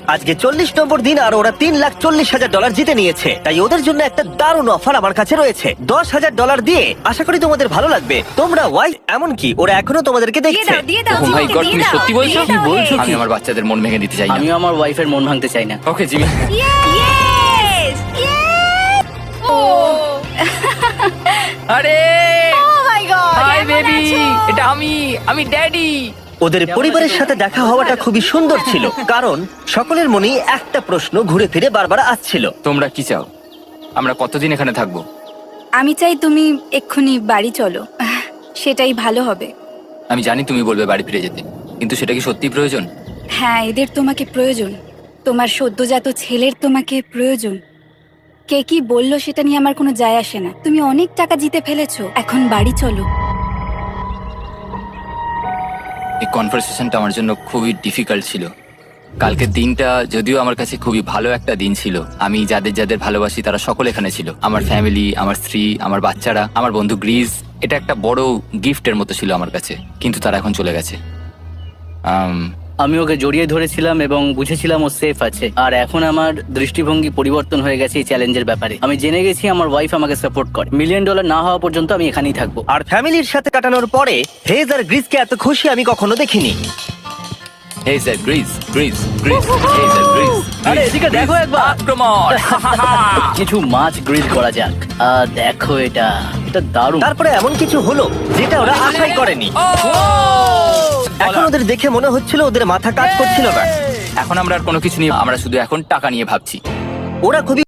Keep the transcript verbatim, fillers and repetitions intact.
আজকে চল্লিশ নম্বর দিন আর ওরা তিন লাখ চল্লিশ হাজার ডলার জিতে নিয়েছে। তাই ওদের জন্য একটা দারুণ অফার আমার কাছে রয়েছে। দশ হাজার ডলার দিয়ে আশা করি তোমাদের ভালো লাগবে। তোমরা ওয়াই এমনকি ওরা এখনো তোমাদেরকে দিয়ে দেখছে। দাও দিয়ে দাও Oh my জিমিকে, God, দিয়ে তুমি দাও, সত্যি বলছো? দিয়ে কি দাও, বলছো? হে। আমি আমার বাচ্চাদের মন ভেঙে দিতে চাই না। আমিও আমার ওয়াইফের মন ভাঙতে চাই না। Okay Jimmy. Yes! Yes! Oh! আরে Oh my God! হাই কেমন বেবি, আছো? এটা আমি আমি ড্যাডি। ওদের পরিবারের সাথে দেখা হওয়াটা খুবই সুন্দর ছিল, কারণ সকলের মনেই একটা প্রশ্ন ঘুরে ফিরে বারবার আসছিল। তোমরা কি চাও আমরা কতদিন এখানে থাকবো? আমি চাই তুমি এক্ষুনি বাড়ি চলো, সেটাই ভালো হবে। আমি জানি তুমি বলবে বাড়ি ফিরে যেতে, কিন্তু সেটা কি সত্যি প্রয়োজন? হ্যাঁ, এদের তোমাকে প্রয়োজন। তোমার সদ্যজাত ছেলের তোমাকে প্রয়োজন। কে কি বললো সেটা নিয়ে আমার কোনো যায় আসে না। তুমি অনেক টাকা জিতে ফেলেছো, এখন বাড়ি চলো। এই কনভারসেশনটা আমার জন্য খুবই ডিফিকাল্ট ছিল। কালকের দিনটা যদিও আমার কাছে খুবই ভালো একটা দিন ছিল। আমি যাদের যাদের ভালোবাসি তারা সকলে এখানে ছিল। আমার ফ্যামিলি, আমার স্ত্রী, আমার বাচ্চারা, আমার বন্ধু গ্রিস। এটা একটা বড় গিফটের মতো ছিল আমার কাছে, কিন্তু তারা এখন চলে গেছে। আম, আমি ওকে জড়িয়ে ধরেছিলাম এবং বুঝেছিলাম ও সেফ আছে। আর এখন আমার দৃষ্টিভঙ্গি পরিবর্তন হয়ে গেছে এই চ্যালেঞ্জের ব্যাপারে। আমি জেনে গেছি আমার ওয়াইফ আমাকে সাপোর্ট করে। মিলিয়ন ডলার না হওয়া পর্যন্ত আমি এখানেই থাকবো। আর ফ্যামিলির সাথে কাটানোর পরে হেজ আর গ্রিসকে এত খুশি আমি কখনো দেখিনি। Hey sir, grease grease grease, hey sir, grease. আরে এদিকে দেখো একবার। আক্রমণ! কিছু মাছ গ্রিল করা যাক। আহ, দেখো এটা এটা দারুণ। তারপরে এমন কিছু হলো যেটা ওরা আশাই করেনি। এখন ওদের দেখে মনে হচ্ছিল ওদের মাথা কাজ করছিল না। এখন আমরা আর কোনো কিছু নিয়ে, আমরা শুধু এখন টাকা নিয়ে ভাবছি। ওরা খুবই